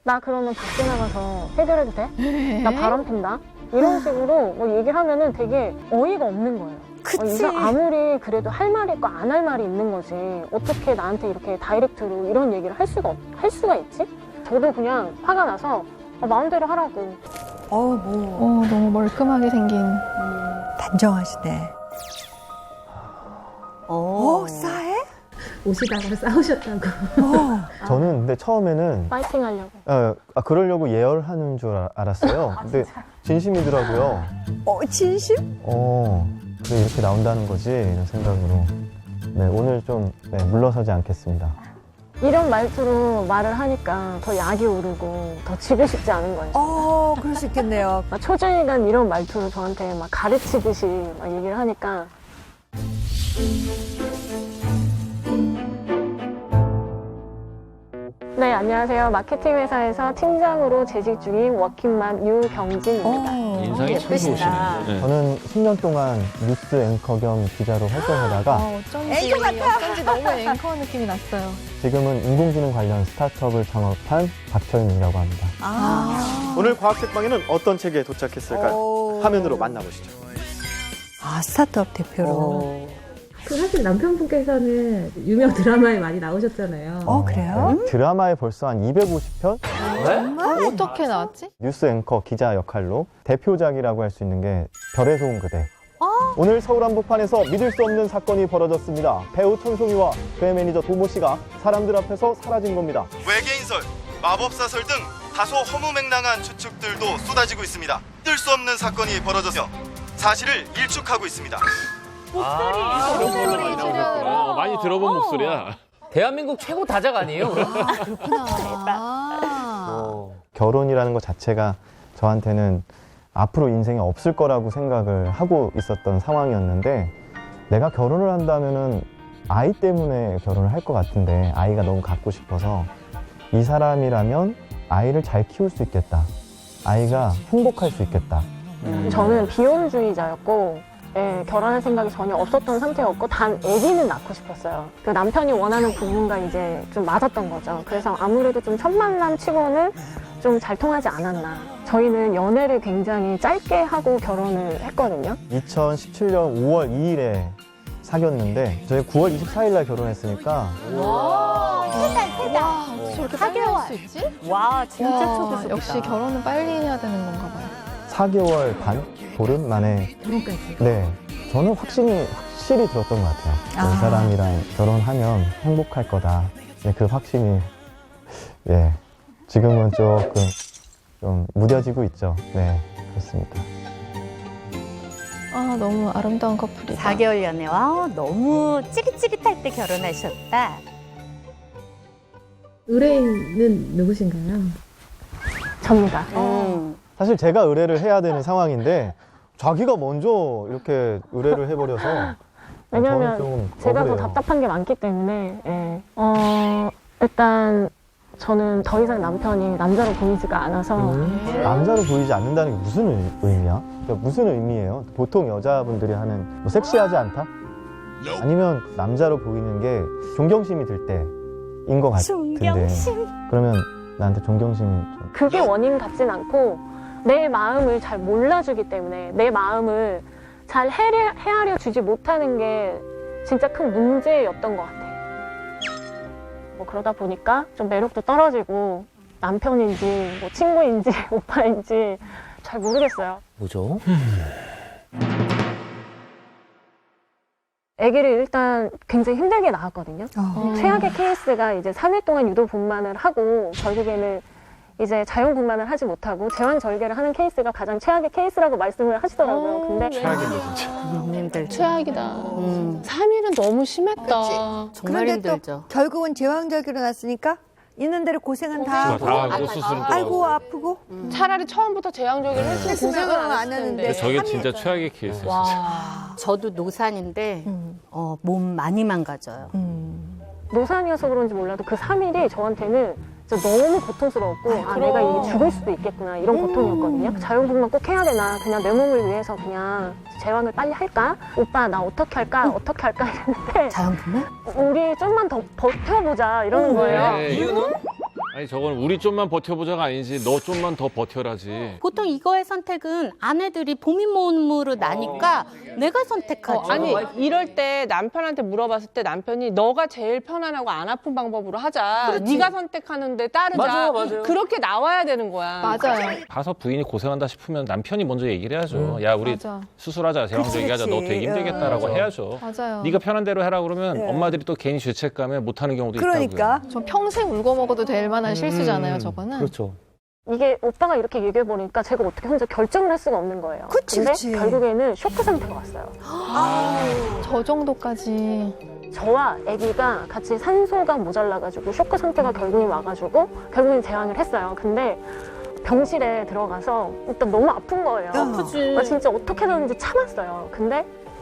나 그러면 밖에 나가서 해결해도 돼? 나 바람 핀다? 이런 식으로 뭐 얘기를 하면은 되게 어이가 없는 거예요. 그치. 아무리 그래도 할 말이 있고 안 할 말이 있는 거지. 어떻게 나한테 이렇게 다이렉트로 이런 얘기를 할 수가 있지? 저도 그냥 화가 나서 마음대로 하라고. 너무 멀끔하게 생긴. 단정하시네. 싸해? 오시다가 싸우셨다고. 저는 근데 처음에는 파이팅 하려고. 그러려고 예열하는 줄 알았어요. 근데 진심이더라고요. 진심? 그래 이렇게 나온다는 거지 이런 생각으로. 네, 오늘 좀 물러서지 않겠습니다. 이런 말투로 말을 하니까 더 약이 오르고 더 지고 싶지 않은 거예요. 그럴 수 있겠네요. 막 초저희간 이런 말투로 저한테 막 가르치듯이 막 얘기를 하니까 네, 안녕하세요. 마케팅 회사에서 팀장으로 재직 중인 워킹맘 유경진입니다. 인상이 참 좋으시네. 네. 저는 10년 동안 뉴스 앵커 겸 기자로 활동하다가 어쩐지 너무 앵커 느낌이 났어요. 지금은 인공지능 관련 스타트업을 창업한 박철민이라고 합니다. 오늘 과학책방에는 어떤 책에 도착했을까요? 화면으로 만나보시죠. 스타트업 대표로. 사실 남편분께서는 유명 드라마에 많이 나오셨잖아요. 그래요? 드라마에 벌써 한 250편? 어떻게 나왔지? 뉴스 앵커 기자 역할로 대표작이라고 할 수 있는 게 별의 소음 그대. 오늘 서울 한복판에서 믿을 수 없는 사건이 벌어졌습니다. 배우 천송이와 그의 매니저 도모 씨가 사람들 앞에서 사라진 겁니다. 외계인설, 마법사설 등 다소 허무맹랑한 추측들도 쏟아지고 있습니다. 믿을 수 없는 사건이 벌어져서 사실을 일축하고 있습니다. 이런 걸로 많이 나오셨구나. 많이 들어본 목소리야. 대한민국 최고 다작 아니에요? 결혼이라는 것 자체가 저한테는 앞으로 인생에 없을 거라고 생각을 하고 있었던 상황이었는데 내가 결혼을 한다면은 아이 때문에 결혼을 할 것 같은데 아이가 너무 갖고 싶어서 이 사람이라면 아이를 잘 키울 수 있겠다. 아이가 행복할 수 있겠다. 저는 비혼주의자였고 결혼할 생각이 전혀 없었던 상태였고 단 아기는 낳고 싶었어요. 그 남편이 원하는 부분과 이제 좀 맞았던 거죠. 그래서 아무래도 좀 첫 만남 치고는 좀 잘 통하지 않았나. 저희는 연애를 굉장히 짧게 하고 결혼을 했거든요. 2017년 5월 2일에 사귀었는데 저희 9월 24일 날 결혼했으니까 저렇게 빨리 할 수 있지? 와, 진짜 초고속이다. 역시 결혼은 빨리 해야 되는 건가 봐요. 4개월 반? 보름 만에 결혼까지. 네, 저는 확실히 들었던 것 같아요. 이 사람이랑 결혼하면 행복할 거다. 네, 그 확신이 지금은 조금 좀 무뎌지고 있죠. 네, 그렇습니다. 너무 아름다운 커플이다. 4개월 연애와 너무 찌릿찌릿할 때 결혼하셨다. 의뢰인은 누구신가요? 접니다. 사실 제가 의뢰를 해야 되는 상황인데 자기가 먼저 이렇게 의뢰를 해버려서 왜냐면 저는 좀 제가 더 억울해요. 답답한 게 많기 때문에 일단 저는 더 이상 남편이 남자로 보이지가 않아서 남자로 보이지 않는다는 게 무슨 의미야? 그러니까 무슨 의미예요? 보통 여자분들이 하는 뭐 섹시하지 않다? 아니면 남자로 보이는 게 존경심이 들 때인 것 같은데 그러면 나한테 존경심이 좀 그게 원인 같진 않고 내 마음을 잘 몰라주기 때문에 내 마음을 잘 헤아려 주지 못하는 게 진짜 큰 문제였던 것 같아요. 뭐 그러다 보니까 좀 매력도 떨어지고 남편인지 뭐 친구인지 오빠인지 잘 모르겠어요. 뭐죠? 아기를 일단 굉장히 힘들게 낳았거든요. 최악의 케이스가 이제 3일 동안 유도 분만을 하고 결국에는 이제 자연분만을 하지 못하고 제왕절개를 하는 케이스가 가장 최악의 케이스라고 말씀을 하시더라고요. 근데 최악이네 진짜. 님들 최악이다. 3일은 너무 심했다. 정말 그런데 힘들죠. 결국은 제왕절개로 났으니까 있는 대로 고생은 다 하고 다 수술도 아이고 하고. 아프고 차라리 처음부터 제왕절개를 했으면 고생을 안 안 했을 하는데. 텐데. 저게 3일 진짜 최악의 케이스야 진짜. 저도 노산인데 몸 많이 망가져요. 노산이어서 그런지 몰라도 그 3일이 저한테는 진짜 너무 고통스러웠고 내가 이게 죽을 수도 있겠구나 이런 고통이었거든요. 자연분만 꼭 해야 되나 그냥 내 몸을 위해서 그냥 제왕을 빨리 할까? 오빠 나 어떻게 할까? 어떻게 할까? 이랬는데 자연분만? 우리 좀만 더 버텨보자 이러는 거예요. 이유는? 아니 저건 우리 좀만 버텨보자가 아니지 너 좀만 더 버텨라지. 보통 이거의 선택은 아내들이 고민 모음으로 나니까 내가 선택하죠. 아니 이럴 때 남편한테 물어봤을 때 남편이 너가 제일 편안하고 안 아픈 방법으로 하자. 네가 선택하는데 따르자. 맞아요. 그렇게 나와야 되는 거야. 맞아요. 가서 부인이 고생한다 싶으면 남편이 먼저 얘기를 해야죠. 야 우리 맞아. 수술하자, 제왕절개 하자. 너 되게 힘들겠다라고 해야죠. 맞아요. 네가 편한 대로 해라 그러면 네. 엄마들이 또 괜히 죄책감에 못하는 경우도 그러니까. 저 평생 울고 먹어도 될 만한 실수잖아요, 저거는. 그렇죠. 이게 오빠가 이렇게 얘기해보니까 제가 어떻게 혼자 결정을 할 수가 없는 거예요. 그치, 근데 그치. 결국에는 쇼크 상태가 왔어요. 저 정도까지. 저와 아기가 같이 산소가 모자라가지고 쇼크 상태가 결국엔 와가지고 결국엔 제왕을 했어요. 근데 병실에 들어가서 일단 너무 아픈 거예요. 아프지. 진짜 어떻게든지 참았어요. 근데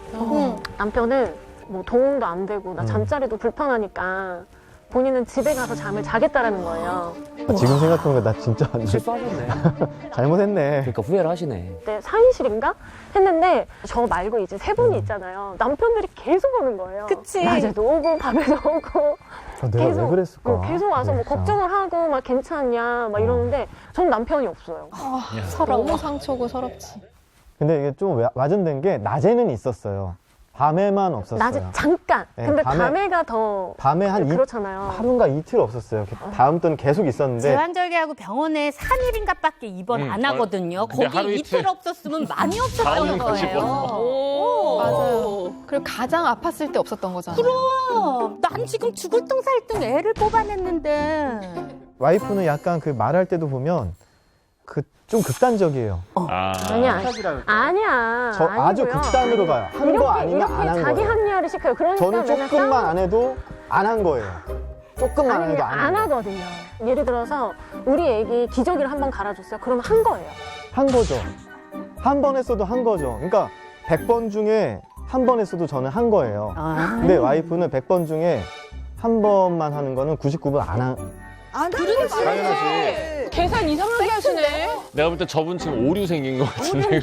남편은 뭐 도움도 안 되고 나 잠자리도 불편하니까 본인은 집에 가서 잠을 자겠다라는 거예요. 지금 생각해보니까 나 진짜 완전 실수하셨네. 잘못했네. 그러니까 후회를 하시네. 그때 4인실인가 했는데 저 말고 이제 세 분이 있잖아요. 남편들이 계속 오는 거예요. 그치. 낮에도 오고 밤에도 오고 내가 왜 그랬을까? 계속 와서 뭐 진짜. 걱정을 하고 막 괜찮냐 막 이러는데 전 남편이 없어요. 너무 상처고 서럽지. 근데 이게 좀 와전된 게 낮에는 있었어요. 밤에만 없었어요. 낮에 잠깐. 네, 근데 밤에- 밤에가 더 밤에 한 그렇잖아요. 하루인가 이틀 없었어요. 다음부터는 계속 있었는데 제왕절개하고 병원에 3일인가밖에 입원 안 하거든요. 근데 거기 하루 이틀 이틀 없었으면 많이 없었던 다음은 거지 거예요. 뭐. 맞아요. 그리고 가장 아팠을 때 없었던 거잖아요. 난 지금 죽을 둥 살 둥 애를 뽑아냈는데. 와이프는 약간 그 말할 때도 보면 그 좀 극단적이에요. 아니야. 아니야. 저 아주 아니고요. 극단으로 가요. 한 거 아니면 이렇게 안 한 자기 거예요. 합리화를 시켜요. 그러니까 저는 맨날 조금만 안 해도 안 한 거예요. 조금만 안 아니 해도 그냥 안 안 한 거예요. 하거든요. 예를 들어서 우리 애기 기저귀를 한번 갈아줬어요. 그러면 한 거예요. 한 거죠. 한 번 했어도 한 거죠. 그러니까 100번 중에 한 번 했어도 저는 한 거예요. 근데 와이프는 100번 중에 한 번만 하는 거는 99번 안 한. 안 하는 거지. 당연하지. 계산 이상하게 하시네. 내가 볼 때 저분 지금 오류 생긴 것 같은데.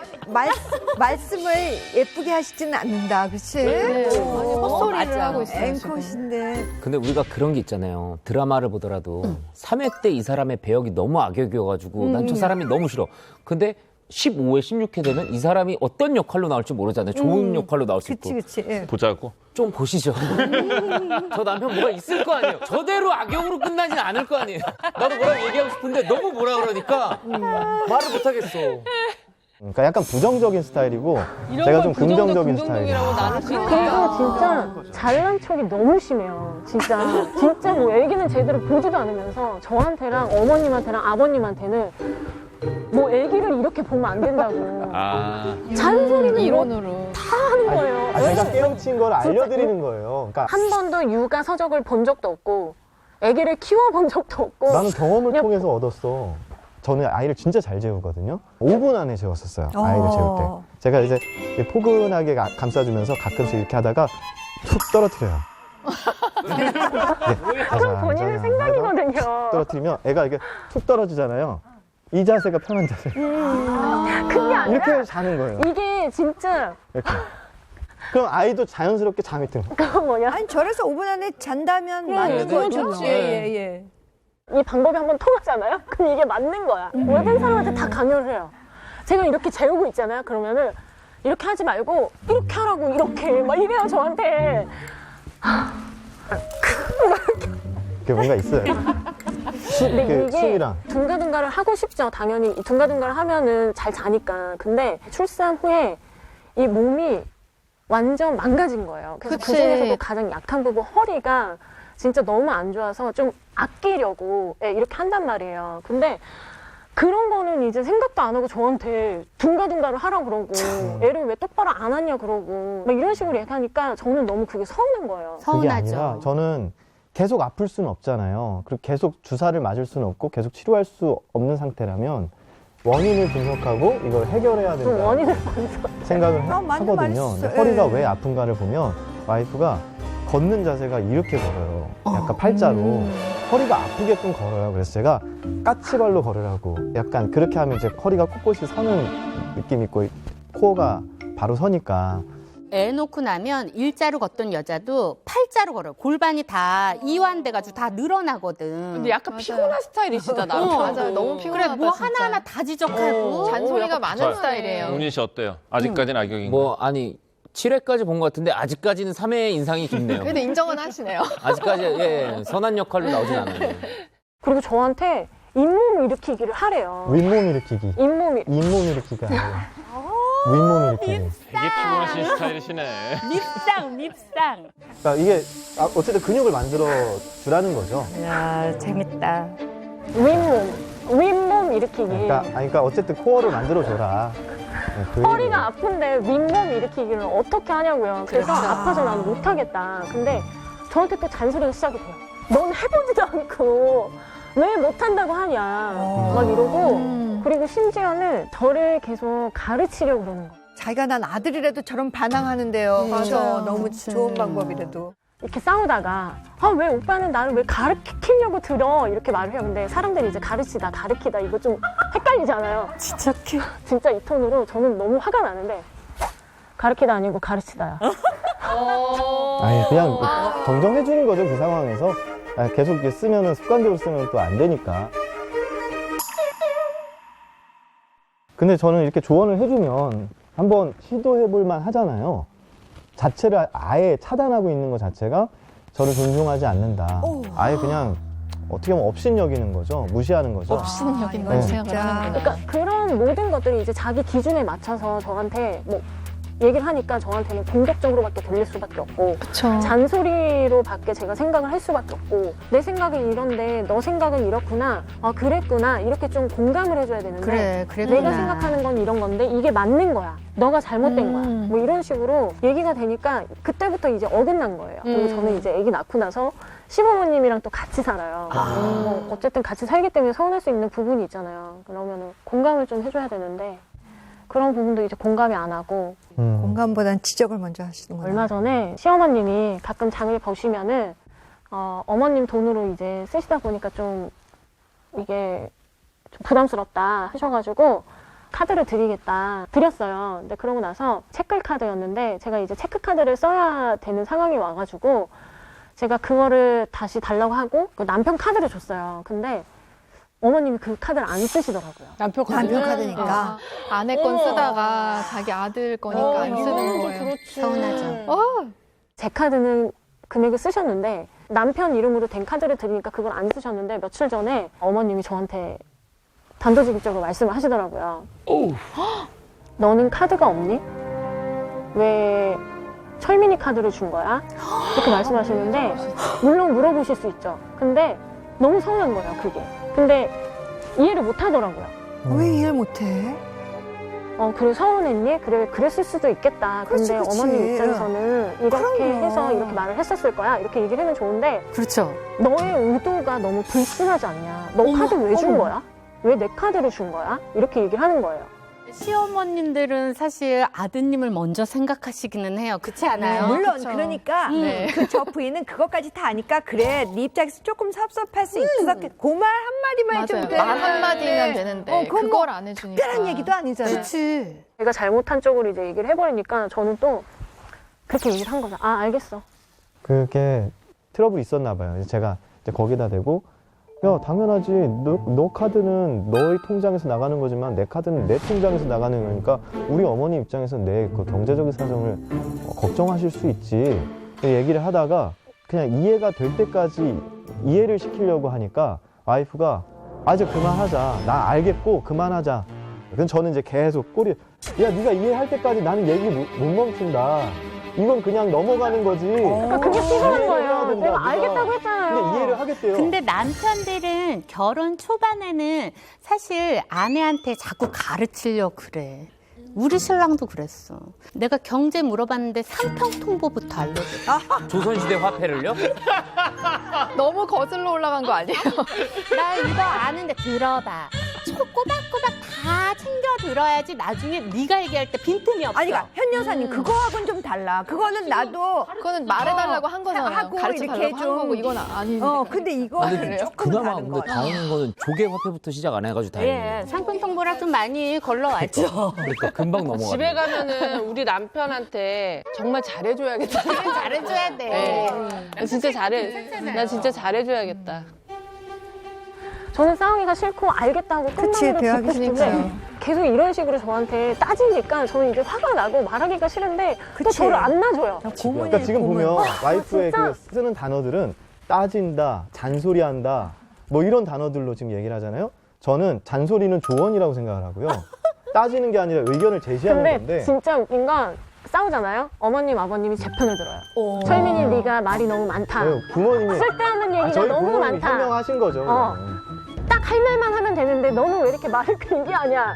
말씀을 예쁘게 하시지는 않는다. 그치? 헛소리를 맞아. 하고 있어요. 지금. 앵컷인데. 근데 우리가 그런 게 있잖아요. 드라마를 보더라도 3회 때 이 사람의 배역이 너무 악역이어가지고 난 저 사람이 너무 싫어. 근데 15회, 16회 되면 이 사람이 어떤 역할로 나올지 모르잖아요. 좋은 역할로 나올 수 있고. 그치. 예. 보자고. 좀 보시죠. 저 남편 뭐가 있을 거 아니에요. 저대로 악역으로 끝나진 않을 거 아니에요. 나도 뭐라고 얘기하고 싶은데 너무 뭐라 그러니까 말을 못하겠어. 그러니까 약간 부정적인 스타일이고 제가 좀 긍정적인 스타일이에요. 나눌 수 그리고 있다. 진짜 잘난 척이 너무 심해요. 진짜 뭐 애기는 제대로 보지도 않으면서 저한테랑 어머님한테랑 아버님한테는 뭐 애기를 이렇게 보면 안 된다고 잔소리는 이론으로. 다 하는 거예요. 제가 깨우친 걸 알려드리는 거예요. 그러니까 한 번도 육아 서적을 본 적도 없고 애기를 키워본 적도 없고 나는 경험을 그냥 통해서 얻었어. 저는 아이를 진짜 잘 재우거든요. 5분 안에 재웠었어요. 아이를 재울 때. 제가 이제 포근하게 감싸주면서 가끔씩 이렇게 하다가 툭 떨어뜨려요. 그건 본인의 생각이거든요. 떨어뜨리면 애가 이게 툭 떨어지잖아요. 이 자세가 편한 자세. 그게 아니라 이렇게 자는 거예요. 이게 진짜 이렇게. 그럼 아이도 자연스럽게 잠이 든 거예요. 그거 뭐냐 아니, 저래서 5분 안에 잔다면 맞는 그건 거죠. 좋지. 예. 이 방법이 한번 통하잖아요? 그럼 이게 맞는 거야. 모든 사람한테 다 강요를 해요. 제가 이렇게 재우고 있잖아요. 그러면은 이렇게 하지 말고 이렇게 하라고 이렇게 막 이래요 저한테. 그게 뭔가 있어요. 근데 이게 숨이랑. 둥가둥가를 하고 싶죠. 당연히 둥가둥가를 하면은 잘 자니까. 근데 출산 후에 이 몸이 완전 망가진 거예요. 그래서 그치. 그중에서도 가장 약한 부분 허리가 진짜 너무 안 좋아서 좀 아끼려고 이렇게 한단 말이에요. 근데 그런 거는 이제 생각도 안 하고 저한테 둥가둥가를 하라고 그러고 애를 왜 똑바로 안 하냐 그러고 막 이런 식으로 얘기하니까 저는 너무 그게 서운한 거예요. 그게 아니라 서운하죠. 저는 계속 아플 수는 없잖아요. 그리고 계속 주사를 맞을 수는 없고 계속 치료할 수 없는 상태라면 원인을 분석하고 이걸 해결해야 그 된다. 원인을 생각을 맞는 하거든요. 말이었어요. 근데 허리가 예. 왜 아픈가를 보면 와이프가 걷는 자세가 이렇게 걸어요. 약간 팔자로. 허리가 아프게끔 걸어요. 그래서 제가 까치발로 걸으라고. 약간 그렇게 하면 이제 허리가 꼿꼿이 서는 느낌이 있고 코어가 바로 서니까. 애 놓고 나면 일자로 걷던 여자도 팔자로 걸어요. 골반이 다 이완돼가지고 다 늘어나거든. 근데 약간 피곤한 스타일이시다, 남편. 맞아요. 너무 그래 피곤하다. 뭐 진짜. 하나하나 다 지적하고 잔소리가 많은 스타일이에요. 용진 씨 어때요? 아직까지는 악역인가요? 뭐 아니 7회까지 본 것 같은데 아직까지는 3회 인상이 깊네요. 그래도 인정은 하시네요. 아직까지 예, 선한 역할로 나오진 않아요. 그리고 저한테 잇몸 일으키기를 하래요. 윗몸 일으키기. 잇몸 잇몸 일으키기가 아니라 윗몸 일으키기. 되게 피곤하신 스타일이시네. 밉상. 그러니까 이게 어쨌든 근육을 만들어 주라는 거죠. 야 재밌다. 윗몸 일으키기. 그러니까 어쨌든 코어를 만들어 줘라. 네, 그 허리가 얘기예요. 아픈데 윗몸 일으키기를 어떻게 하냐고요. 그래서 아파서 난 못하겠다. 근데 저한테 또 잔소리가 시작이 돼요. 넌 해보지도 않고 왜 못한다고 하냐. 막 이러고 그리고 심지어는 저를 계속 가르치려고 그러는 거예요. 자기가 난 아들이라도 저런 반항하는데요. 그렇죠. 너무 좋은 방법이라도. 이렇게 싸우다가 왜 오빠는 나를 왜 가르치려고 들어 이렇게 말을 해요. 근데 사람들이 이제 가르치다 이거 좀 헷갈리잖아요. 진짜 이 톤으로 저는 너무 화가 나는데 가르치다 아니고 가르치다야. 아니 그냥 정정해 주는 거죠 그 상황에서. 계속 이렇게 쓰면은 습관적으로 쓰면 또 안 되니까. 근데 저는 이렇게 조언을 해주면 한번 시도해볼 만 하잖아요. 자체를 아예 차단하고 있는 것 자체가 저를 존중하지 않는다. 아예 그냥 어떻게 보면 업신여기는 거죠. 무시하는 거죠. 업신여긴 걸 네. 생각을 하는구나. 그러니까 그런 모든 것들이 이제 자기 기준에 맞춰서 저한테 뭐 얘기를 하니까 저한테는 공격적으로밖에 들릴 수밖에 없고 그쵸. 잔소리로밖에 제가 생각을 할 수밖에 없고 내 생각은 이런데 너 생각은 이렇구나 그랬구나 이렇게 좀 공감을 해줘야 되는데 그래 내가 생각하는 건 이런 건데 이게 맞는 거야 너가 잘못된 거야 뭐 이런 식으로 얘기가 되니까 그때부터 이제 어긋난 거예요. 그리고 저는 이제 아기 낳고 나서 시부모님이랑 또 같이 살아요. 어쨌든 같이 살기 때문에 서운할 수 있는 부분이 있잖아요. 그러면은 공감을 좀 해줘야 되는데 그런 부분도 이제 공감이 안 하고 공감보다는 지적을 먼저 하시는구나. 얼마 전에 시어머님이 가끔 장을 보시면은 어머님 돈으로 이제 쓰시다 보니까 좀 이게 좀 부담스럽다 하셔가지고 카드를 드렸어요. 근데 그러고 나서 체크카드였는데 제가 이제 체크카드를 써야 되는 상황이 와가지고 제가 그거를 다시 달라고 하고 그 남편 카드를 줬어요. 근데 어머님이 그 카드를 안 쓰시더라고요. 남편 남편 카드니까. 아내 건 쓰다가 자기 아들 거니까 안 쓰는 거예요. 서운하죠. 제 카드는 금액을 쓰셨는데 남편 이름으로 된 카드를 드리니까 그걸 안 쓰셨는데 며칠 전에 어머님이 저한테 단도직입적으로 말씀을 하시더라고요. 너는 카드가 없니? 왜 철민이 카드를 준 거야? 이렇게 말씀하시는데 물론 물어보실 수 있죠. 근데 너무 서운한 거예요, 그게. 근데 이해를 못 하더라고요. 왜 이해를 못해? 그래 서운했니? 그래 그랬을 수도 있겠다. 근데 그렇지. 어머님 입장에서는 이렇게 그럼요. 해서 이렇게 말을 했었을 거야. 이렇게 얘기를 하면 좋은데 그렇죠. 너의 의도가 너무 불순하지 않냐? 너 카드 왜 준 거야? 왜 내 카드를 준 거야? 이렇게 얘기를 하는 거예요. 시어머님들은 사실 아드님을 먼저 생각하시기는 해요. 그렇지 않아요? 물론 그쵸. 그러니까 네. 그 저 부인은 그것까지 다 아니까 그래 네 입장에서 조금 섭섭할 수 있어서 그 말 한마디만 해주면 맞아요. 돼. 말 한마디면 되는데 그건 그걸 뭐 안 해주니까. 특별한 얘기도 아니잖아. 그렇지. 제가 잘못한 쪽으로 이제 얘기를 해버리니까 저는 또 그렇게 얘기를 한 거죠. 아 알겠어. 그게 트러블이 있었나 봐요. 그래서 제가 이제 거기다 대고 야 당연하지 너 카드는 너의 통장에서 나가는 거지만 내 카드는 내 통장에서 나가는 거니까 우리 어머니 입장에서 내 그 경제적인 사정을 걱정하실 수 있지 얘기를 하다가 그냥 이해가 될 때까지 이해를 시키려고 하니까 와이프가 이제 그만하자 나 알겠고 그만하자. 그럼 저는 이제 계속 꼬리 야 네가 이해할 때까지 나는 얘기 못 멈춘다. 이건 그냥 넘어가는 거지. 그러니까 그게 피곤한 거예요. 된다, 내가 네가. 알겠다고 했잖아요. 근데 이해를 하겠대요. 근데 남편들은 결혼 초반에는 사실 아내한테 자꾸 가르치려고 그래. 우리 신랑도 그랬어. 내가 경제 물어봤는데 상평통보부터 알려줘. 조선시대 화폐를요? 너무 거슬러 올라간 거 아니에요? 나 이거 아는데 들어봐. 꼬박꼬박 다 다 챙겨 들어야지 나중에 네가 얘기할 때 빈틈이 없어. 아니, 그러니까 현 여사님 그거하고는 좀 달라. 그거는 나도 그거는 말해달라고 한 거잖아요. 하고 가르쳐달라고 이렇게 한 좀- 거고 이건 아닌데. 근데 이거는 조금 그나마 다른 근데 거. 다행인 거는 조개 화폐부터 시작 안 해가지고 다행이에요. 예, 상품 통보라 좀 많이 걸러왔죠. 그러니까 금방 넘어가. 집에 가면은 우리 남편한테 정말 잘해줘야겠다. 잘해줘야 돼. 나 진짜 나 진짜 잘해줘야겠다. 저는 싸우기가 싫고 알겠다고 그치, 끝나기를 대화하기 듣고 싶은데 계속 이런 식으로 저한테 따지니까 저는 이제 화가 나고 말하기가 싫은데 또 그치. 저를 안 놔줘요. 그러니까 지금 보면 와이프의 그 쓰는 단어들은 따진다, 잔소리한다, 뭐 이런 단어들로 지금 얘기를 하잖아요. 저는 잔소리는 조언이라고 생각을 하고요. 따지는 게 아니라 의견을 제시하는 근데 건데. 진짜 웃긴 건 싸우잖아요. 어머님, 아버님이 제 편을 들어요. 철민이 네가 말이 너무 많다. 네, 부모님이 쓸데없는 얘기가 저희 너무 부모님이 많다. 현명하신 거죠. 어. 딱 할 말만 하면 되는데 너는 왜 이렇게 말을 길게 하냐.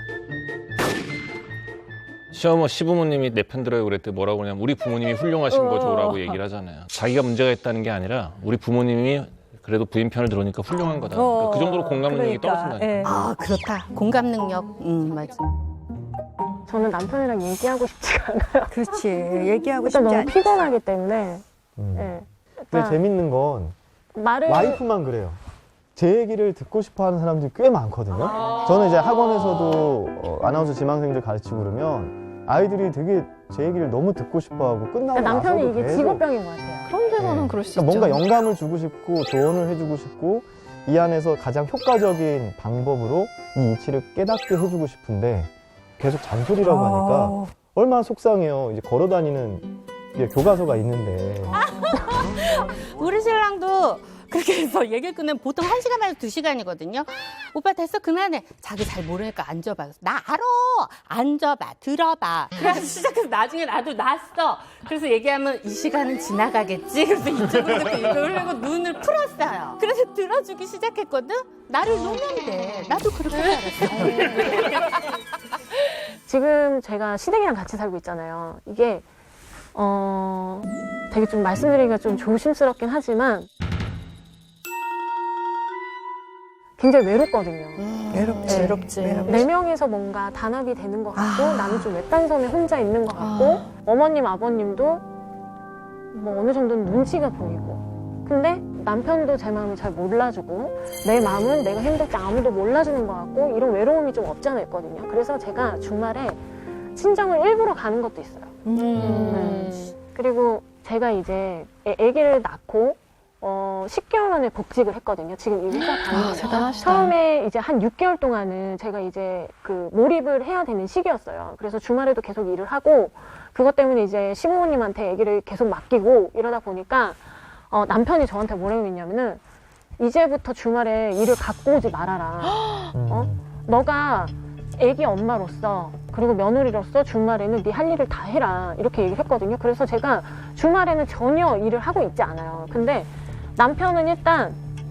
시부모님이 내 편 들어요 그랬더니 뭐라고 그러냐면 우리 부모님이 훌륭하신 거죠라고 얘기를 하잖아요. 자기가 문제가 있다는 게 아니라 우리 부모님이 그래도 부인 편을 들으니까 훌륭한 거다. 그러니까 그 정도로 공감 능력이 떨어진다니까. 예. 아, 그렇다. 공감 능력. 맞아. 저는 남편이랑 얘기하고 싶지가 않아요. 그렇지. 얘기하고 일단 싶지 너무 않지. 피곤하기 때문에. 음. 예. 근데 일단 재밌는 건 말을 와이프만 그래요. 제 얘기를 듣고 싶어 하는 사람들이 꽤 많거든요. 저는 이제 학원에서도 아나운서 지망생들 가르치고 그러면 아이들이 되게 제 얘기를 너무 듣고 싶어 하고 끝나고 남편이 나서도 이게 계속 직업병인 것 같아요. 그런 데서는 네. 그럴 수 그러니까 있죠. 뭔가 영감을 주고 싶고 조언을 해주고 싶고 이 안에서 가장 효과적인 방법으로 이 이치를 깨닫게 해주고 싶은데 계속 잔소리라고 하니까 얼마나 속상해요. 이제 걸어다니는 이게 교과서가 있는데 우리 신랑도 그렇게 해서 얘기를 끝내면 보통 1시간에서 2시간이거든요. 오빠 됐어, 그만해. 자기 잘 모르니까 앉아봐. 그래서 나 알아. 앉아봐, 들어봐. 그래서 시작해서 나중에 나도 났어. 그래서 얘기하면 이 시간은 지나가겠지. 그래서 이쪽으로 듣고 이걸 하고 눈을 풀었어요. 그래서 들어주기 시작했거든. 나를 놓으면 돼. 나도 그렇게 살았어. 지금 제가 시댁이랑 같이 살고 있잖아요. 이게 되게 좀 말씀드리기가 좀 조심스럽긴 하지만 굉장히 외롭거든요. 외롭지. 외롭지. 네 명이서 뭔가 단합이 되는 것 같고 나는 좀 외딴섬에 혼자 있는 것 같고 어머님, 아버님도 뭐 어느 정도는 눈치가 보이고 근데 남편도 제 마음을 잘 몰라주고 내 마음은 내가 힘들 때 아무도 몰라주는 것 같고 이런 외로움이 좀 없지 않아 있거든요. 그래서 제가 주말에 친정을 일부러 가는 것도 있어요. 그리고 제가 이제 아기를 낳고 10개월 만에 복직을 했거든요. 지금 이 회사 다니면서 대단하시다. 처음에 이제 한 6개월 동안은 제가 이제 그 몰입을 해야 되는 시기였어요. 그래서 주말에도 계속 일을 하고 그것 때문에 이제 시부모님한테 아기를 계속 맡기고 이러다 보니까 남편이 저한테 뭐라고 했냐면은 이제부터 주말에 일을 갖고 오지 말아라. 너가 아기 엄마로서 그리고 며느리로서 주말에는 네 할 일을 다 해라 이렇게 얘기를 했거든요. 그래서 제가 주말에는 전혀 일을 하고 있지 않아요. 근데 남편은 일단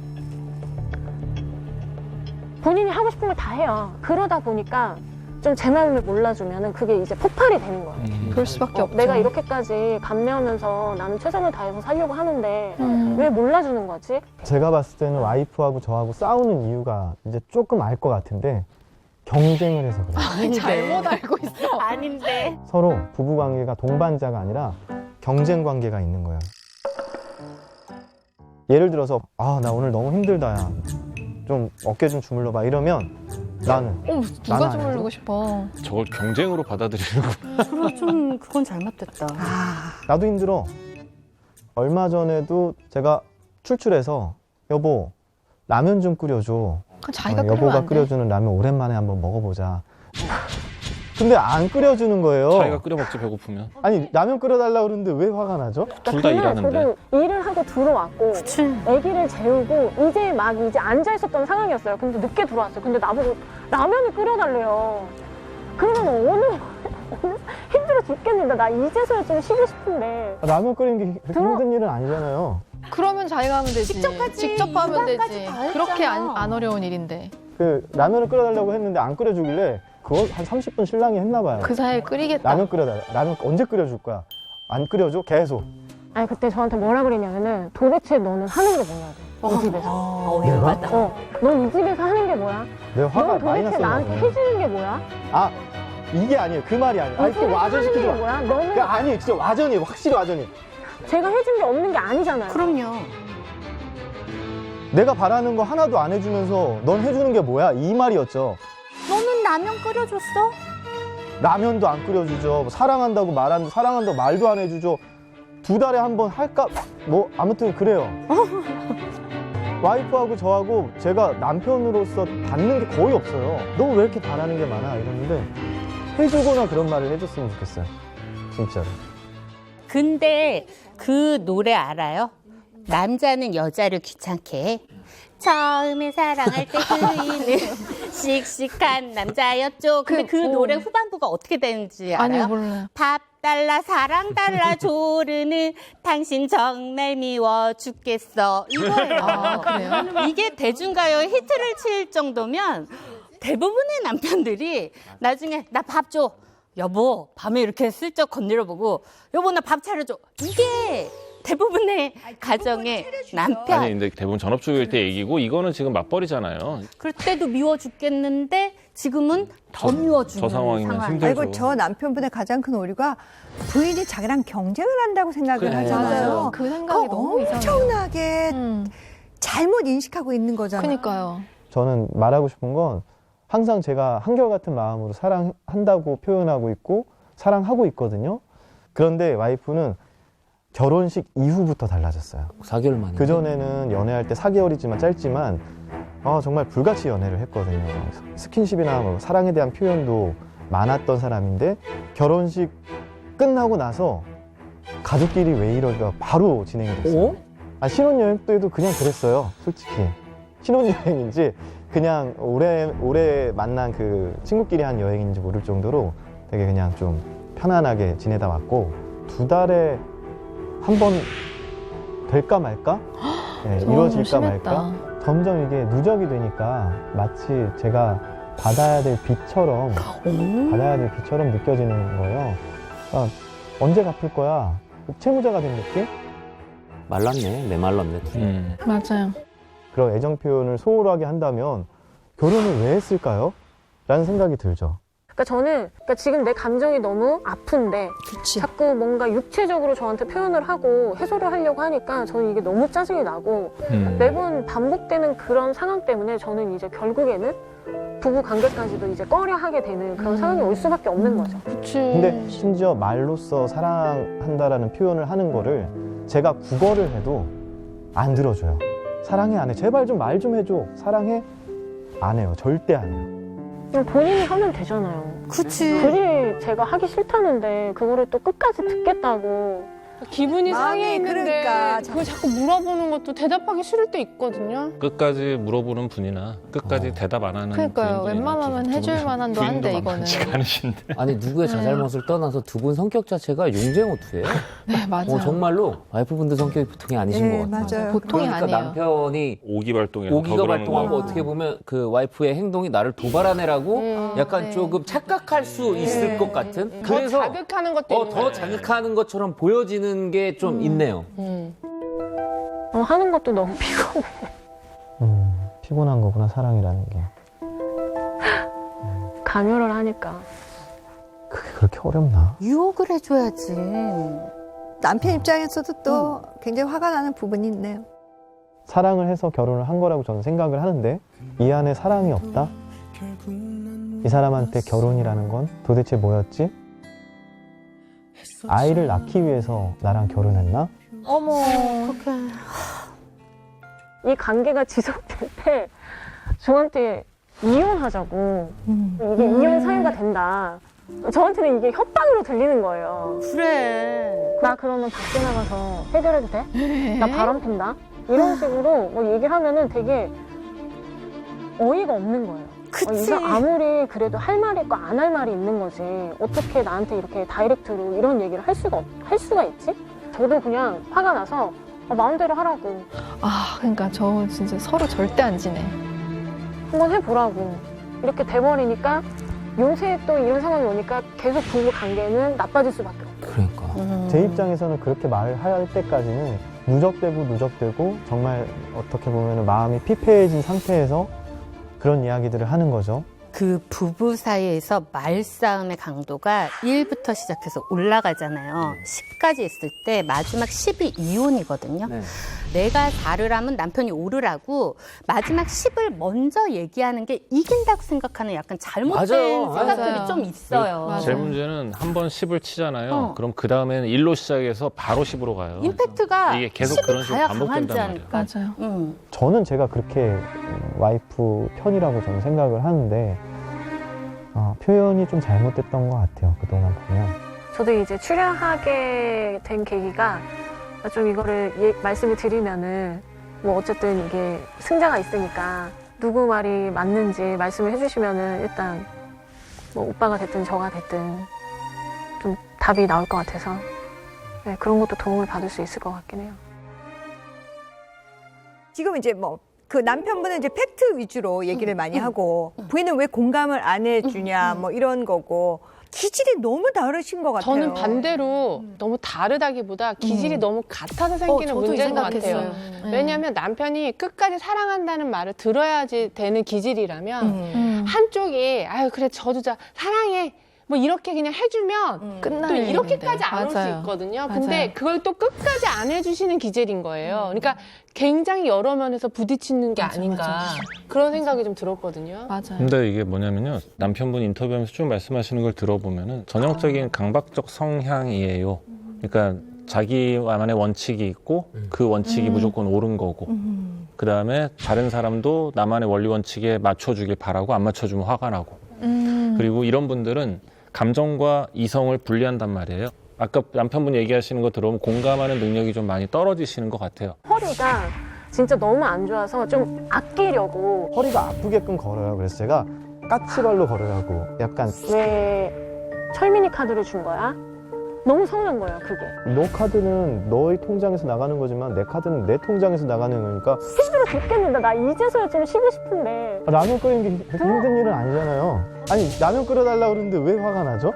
본인이 하고 싶은 걸 다 해요. 그러다 보니까 좀 제 마음을 몰라주면 그게 이제 폭발이 되는 거예요. 그럴 수밖에 없죠. 내가 이렇게까지 감내하면서 나는 최선을 다해서 살려고 하는데 왜 몰라주는 거지? 제가 봤을 때는 와이프하고 저하고 싸우는 이유가 이제 조금 알 것 같은데 경쟁을 해서 그래요. 잘못 알고 있어. 아닌데. 서로 부부관계가 동반자가 아니라 경쟁 관계가 있는 거예요. 예를 들어서 나 오늘 너무 힘들다 야. 좀 어깨 좀 주물러 봐 이러면 나는 누가 나는 주물르고 싶어. 저걸 경쟁으로 받아들이려고. 그건 잘못됐다. 나도 힘들어. 얼마 전에도 제가 출출해서 여보 라면 좀 끓여줘. 그럼 자기가 끓이면 여보가 안 돼? 끓여주는 라면 오랜만에 한번 먹어보자. 근데 안 끓여주는 거예요. 자기가 끓여 먹지 배고프면. 아니 라면 끓여달라고 그러는데 왜 화가 나죠? 둘 다 일하는데. 저도 일을 하고 들어왔고 아기를 재우고 이제 앉아 있었던 상황이었어요. 근데 늦게 들어왔어요. 근데 나보고 라면을 끓여달래요. 그러면 오늘 힘들어 죽겠는데 나 이제서야 좀 쉬고 싶은데 라면 끓이는 게 그렇게 힘든 일은 아니잖아요. 그러면 자기가 하면 되지. 직접 하지. 직접 하면 육아까지 되지. 다 했잖아. 그렇게 안 어려운 일인데. 그 라면을 끓여달라고 했는데 안 끓여주길래 그걸 한 30분 신랑이 했나 봐요. 그 사이에 끓이겠다. 라면 끓여달라. 라면 언제 끓여줄 거야? 안 끓여줘? 계속. 아니 그때 저한테 뭐라 그랬냐면은 도대체 너는 하는 게 뭐냐고 이 집에서. 열받다. 넌 이 집에서 하는 게 뭐야? 내가 화가 넌 많이 도대체 났었나 나한테 보네. 해주는 게 뭐야? 아, 이게 아니에요. 그 말이 아니에요. 아니, 이 또 집에서 와전시키지 하는 게 마. 뭐야? 너는 아니에요. 진짜 와전이에요. 확실히 와전이에요. 제가 해준 게 없는 게 아니잖아요. 그럼요. 내가 바라는 거 하나도 안 해주면서 넌 해주는 게 뭐야? 이 말이었죠. 너는 라면 끓여줬어? 라면도 안 끓여주죠. 뭐 사랑한다고 말하는데 사랑한다고 말도 안 해주죠. 2달에 한 번 할까? 뭐 아무튼 그래요. 와이프하고 저하고 제가 남편으로서 받는 게 거의 없어요. 너 왜 이렇게 바라는 게 많아? 이러는데 해주거나 그런 말을 해줬으면 좋겠어요. 진짜로. 근데 그 노래 알아요? 남자는 여자를 귀찮게 해. 처음에 사랑할 때 그이는 씩씩한 남자였죠. 근데 그 노래 후반부가 어떻게 되는지 알아요? 아니, 몰라요. 밥 달라 사랑 달라 조르는 당신 정말 미워 죽겠어 이거예요. 아, 그래요? 이게 대중가요의 히트를 칠 정도면 대부분의 남편들이 나중에 나 밥 줘. 여보 밤에 이렇게 슬쩍 건드려보고 여보 나 밥 차려줘. 이게 대부분의 가정의 남편. 아니 근데 대부분 전업주부일 때 얘기고 이거는 지금 맞벌이잖아요. 그럴 때도 미워 죽겠는데 지금은 더 미워주는 저 상황이면 상황. 힘들죠. 아이고, 저 남편분의 가장 큰 오류가 부인이 자기랑 경쟁을 한다고 생각을 그래, 하잖아요. 맞아요. 그 생각이 너무 이상해요. 엄청나게 잘못 인식하고 있는 거잖아요. 그니까요. 저는 말하고 싶은 건 항상 제가 한결같은 마음으로 사랑한다고 표현하고 있고 사랑하고 있거든요. 그런데 와이프는 결혼식 이후부터 달라졌어요. 4개월 만에. 그전에는 연애할 때 4개월이지만 짧지만 정말 불같이 연애를 했거든요. 스킨십이나 뭐 사랑에 대한 표현도 많았던 사람인데 결혼식 끝나고 나서 가족끼리 왜 이럴까 바로 진행이 됐어요. 신혼여행 때도 그냥 그랬어요. 솔직히. 신혼여행인지 그냥 오래 만난 그 친구끼리 한 여행인지 모를 정도로 되게 그냥 좀 편안하게 지내다 왔고 2달에 한 번 될까 말까? 네, 이루어질까 말까? 점점 이게 누적이 되니까 마치 제가 받아야 될 빚처럼 느껴지는 거예요. 언제 갚을 거야? 채무자가 된 느낌? 말랐네. 메말랐네. 둘이. 맞아요. 그런 애정 표현을 소홀하게 한다면 결혼을 왜 했을까요? 라는 생각이 들죠. 그러니까 저는 지금 내 감정이 너무 아픈데 자꾸 뭔가 육체적으로 저한테 표현을 하고 해소를 하려고 하니까 저는 이게 너무 짜증이 나고 매번 반복되는 그런 상황 때문에 저는 이제 결국에는 부부 관계까지도 이제 꺼려하게 되는 그런 상황이 올 수밖에 없는 거죠. 근데 심지어 말로써 사랑한다라는 표현을 하는 거를 제가 국어를 해도 안 들어줘요. 사랑해 안 해. 제발 좀 말 좀 해줘. 사랑해 안 해요. 절대 안 해요. 그냥 본인이 하면 되잖아요. 그치. 그게 제가 하기 싫다는데 그거를 또 끝까지 듣겠다고. 기분이 마음이 상해 있는데 그러니까 그걸 자꾸 물어보는 것도 대답하기 싫을 때 있거든요. 끝까지 물어보는 분이나 끝까지 대답 안 하는 그러니까요. 부인분이나 웬만하면 두 해줄 분, 만한도 한데, 부인도 이거는. 만만치가 않으신데. 아니 누구의 자잘못을 떠나서 두 분 성격 자체가 용쟁호투예요. 네, 맞아요. 정말로 와이프분들 성격이 보통이 아니신 네, 것 같아요. 맞아요. 보통이 그러니까 아니에요. 남편이 오기발동해서 오기가 더 그러는 발동한 거 거고. 어떻게 보면 그 와이프의 행동이 나를 도발하네라고 약간 네. 조금 착각할 수 있을 것 같은. 더 그래서 자극하는 것도 있는 더 거예요. 자극하는 것처럼 보여지는 게 좀 있네요. 하는 것도 너무 피곤해. 피곤한 거구나 사랑이라는 게. 강요를 하니까. 그게 그렇게 어렵나? 유혹을 해줘야지. 남편 입장에서도 또 굉장히 화가 나는 부분이 있네요. 사랑을 해서 결혼을 한 거라고 저는 생각을 하는데 이 안에 사랑이 없다? 이 사람한테 결혼이라는 건 도대체 뭐였지? 아이를 낳기 위해서 나랑 결혼했나? 어머. 이 관계가 지속될 때 저한테 이혼하자고 이게 이혼 사유가 된다. 저한테는 이게 협박으로 들리는 거예요. 그래. 나 그러면 밖에 나가서 해결해도 돼? 나 바람 핀다? 이런 식으로 뭐 얘기를 하면은 되게 어이가 없는 거예요. 그치. 이거 아무리 그래도 할 말이 있고 안 할 말이 있는 거지. 어떻게 나한테 이렇게 다이렉트로 이런 얘기를 할 수가 있지? 저도 그냥 화가 나서 마음대로 하라고. 아, 그러니까 저 진짜 서로 절대 안 지내. 한번 해보라고. 이렇게 돼버리니까 요새 또 이런 상황이 오니까 계속 부부 관계는 나빠질 수밖에 없고. 그러니까. 제 입장에서는 그렇게 말할 때까지는 누적되고 정말 어떻게 보면 마음이 피폐해진 상태에서 그런 이야기들을 하는 거죠. 그 부부 사이에서 말싸움의 강도가 1부터 시작해서 올라가잖아요. 10까지 있을 때 마지막 10이 이혼이거든요. 네. 내가 4를 하면 남편이 5를 하고 마지막 10을 먼저 얘기하는 게 이긴다고 생각하는 약간 잘못된 맞아요. 생각들이 맞아요. 좀 있어요. 제 문제는 한 번 10을 치잖아요. 그럼 그 다음에는 1로 시작해서 바로 10으로 가요. 임팩트가 이게 계속 10이 그런 식으로 가야 반복된단 강하지 말이에요. 않을까. 맞아요. 저는 제가 그렇게 와이프 편이라고 저는 생각을 하는데 표현이 좀 잘못됐던 것 같아요. 그동안 보면. 저도 이제 출연하게 된 계기가 좀 이거를 말씀을 드리면은 뭐 어쨌든 이게 승자가 있으니까 누구 말이 맞는지 말씀을 해주시면은 일단 뭐 오빠가 됐든 저가 됐든 좀 답이 나올 것 같아서 네, 그런 것도 도움을 받을 수 있을 것 같긴 해요. 지금 이제 뭐 그 남편분은 이제 팩트 위주로 얘기를 많이 하고 부인은 왜 공감을 안 해주냐 뭐 이런 거고 기질이 너무 다르신 것 같아요. 저는 반대로 너무 다르다기보다 기질이 너무 같아서 생기는 저도 이 문제인 것 생각했어요. 같아요. 왜냐하면 남편이 끝까지 사랑한다는 말을 들어야지 되는 기질이라면 한쪽이 아유 그래 저주자 사랑해 뭐 이렇게 그냥 해주면 또 이렇게까지 안 올 수 맞아요. 있거든요. 맞아요. 근데 그걸 또 끝까지 안 해주시는 기질인 거예요. 그러니까 굉장히 여러 면에서 부딪히는 게 아닌가 그런 생각이 좀 들었거든요. 맞아요. 근데 이게 뭐냐면요. 남편분 인터뷰하면서 쭉 말씀하시는 걸 들어보면은 전형적인 강박적 성향이에요. 그러니까 자기만의 원칙이 있고 그 원칙이 무조건 옳은 거고 그 다음에 다른 사람도 나만의 원리 원칙에 맞춰주길 바라고 안 맞춰주면 화가 나고 그리고 이런 분들은 감정과 이성을 분리한단 말이에요. 아까 남편분 얘기하시는 거 들어보면 공감하는 능력이 좀 많이 떨어지시는 것 같아요. 허리가 진짜 너무 안 좋아서 좀 아끼려고 허리가 아프게끔 걸어요. 그래서 제가 까치발로 걸으라고 약간 왜 철민이 카드를 준 거야? 너무 서운한 거예요, 그게. 너 카드는 너의 통장에서 나가는 거지만 내 카드는 내 통장에서 나가는 거니까 힘들어 죽겠는데 나 이제서야 좀 쉬고 싶은데 라면 끓이는 게 그렇게 힘든 일은 아니잖아요. 아니 라면 끓여달라고 그러는데 왜 화가 나죠?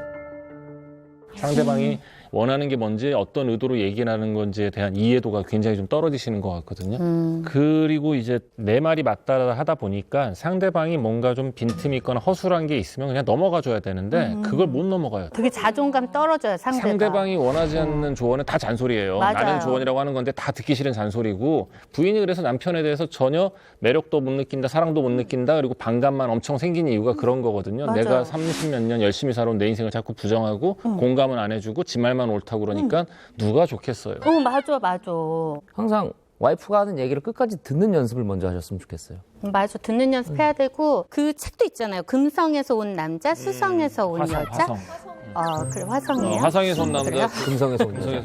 상대방이 원하는 게 뭔지 어떤 의도로 얘기하는 건지에 대한 이해도가 굉장히 좀 떨어지시는 것 같거든요. 그리고 이제 내 말이 맞다 하다 보니까 상대방이 뭔가 좀 빈틈이 있거나 허술한 게 있으면 그냥 넘어가 줘야 되는데 그걸 못 넘어가요. 되게 자존감 떨어져요, 상대방이 원하지 않는 조언은 다 잔소리예요. 맞아요. 나는 조언이라고 하는 건데 다 듣기 싫은 잔소리고 부인이 그래서 남편에 대해서 전혀 매력도 못 느낀다, 사랑도 못 느낀다, 그리고 반감만 엄청 생긴 이유가 그런 거거든요. 맞아요. 내가 30몇 년 열심히 살아온 내 인생을 자꾸 부정하고 공감은 안 해주고 지 말만 옳다고 그러니까 누가 좋겠어요. 맞아. 항상 와이프가 하는 얘기를 끝까지 듣는 연습을 먼저 하셨으면 좋겠어요. 맞아. 듣는 연습해야 되고 그 책도 있잖아요. 금성에서 온 남자, 수성에서 온 여자. 화성. 그래 화성이에요. 화성에서 온 남자, 금성에서 온 여자.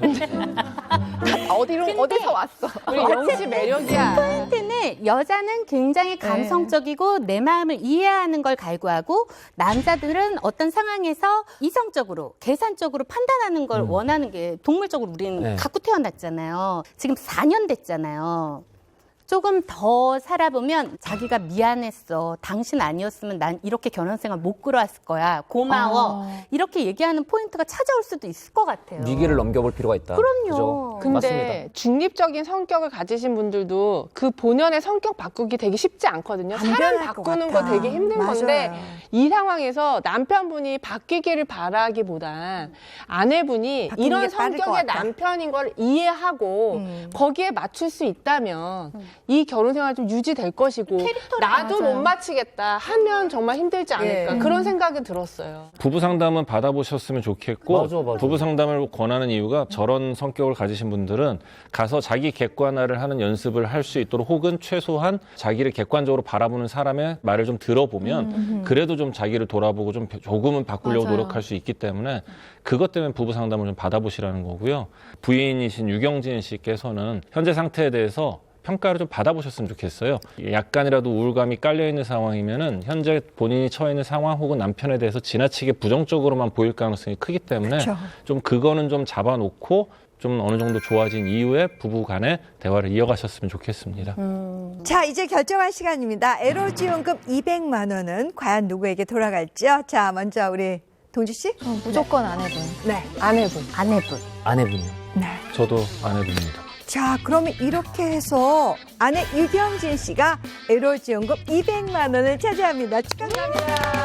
어디서 왔어? 우리 영씨 매력이야. 포인트는 여자는 굉장히 감성적이고 내 마음을 이해하는 걸 갈구하고 남자들은 어떤 상황에서 이성적으로 계산적으로 판단하는 걸 원하는 게 동물적으로 우리는 네. 갖고 태어났잖아요. 지금 4년 됐잖아요. 조금 더 살아보면 자기가 미안했어. 당신 아니었으면 난 이렇게 결혼 생활 못 끌어왔을 거야. 고마워. 이렇게 얘기하는 포인트가 찾아올 수도 있을 것 같아요. 위기를 넘겨볼 필요가 있다. 그럼요. 그죠? 근데 맞습니다. 중립적인 성격을 가지신 분들도 그 본연의 성격 바꾸기 되게 쉽지 않거든요. 안 사람 변할 것 바꾸는 같아. 거 되게 힘든 맞아요. 건데 이 상황에서 남편분이 바뀌기를 바라기보단 아내분이 바뀌는 이런 게 빠를 것 성격의 같다. 남편인 걸 이해하고 거기에 맞출 수 있다면 이 결혼 생활 좀 유지될 것이고 나도 못 맞추겠다 하면 정말 힘들지 않을까 그런 생각이 들었어요. 부부 상담은 받아보셨으면 좋겠고 맞아. 부부 상담을 권하는 이유가 저런 성격을 가지신 분들은 가서 자기 객관화를 하는 연습을 할 수 있도록 혹은 최소한 자기를 객관적으로 바라보는 사람의 말을 좀 들어보면 그래도 좀 자기를 돌아보고 좀 조금은 바꾸려고 맞아요. 노력할 수 있기 때문에 그것 때문에 부부 상담을 좀 받아보시라는 거고요. 부인이신 유경진 씨께서는 현재 상태에 대해서 평가를 좀 받아보셨으면 좋겠어요. 약간이라도 우울감이 깔려있는 상황이면은 현재 본인이 처해 있는 상황 혹은 남편에 대해서 지나치게 부정적으로만 보일 가능성이 크기 때문에 좀 그거는 좀 잡아놓고 좀 어느 정도 좋아진 이후에 부부 간의 대화를 이어가셨으면 좋겠습니다. 자, 이제 결정할 시간입니다. 에로지원금 200만 원은 과연 누구에게 돌아갈지요? 자, 먼저 우리 동주 씨. 무조건 아내분. 네. 아내분. 아내분. 아내분이요. 네. 저도 아내분입니다. 자, 그러면 이렇게 해서 아내 유경진 씨가 에로지원금 200만 원을 차지합니다. 축하드립니다.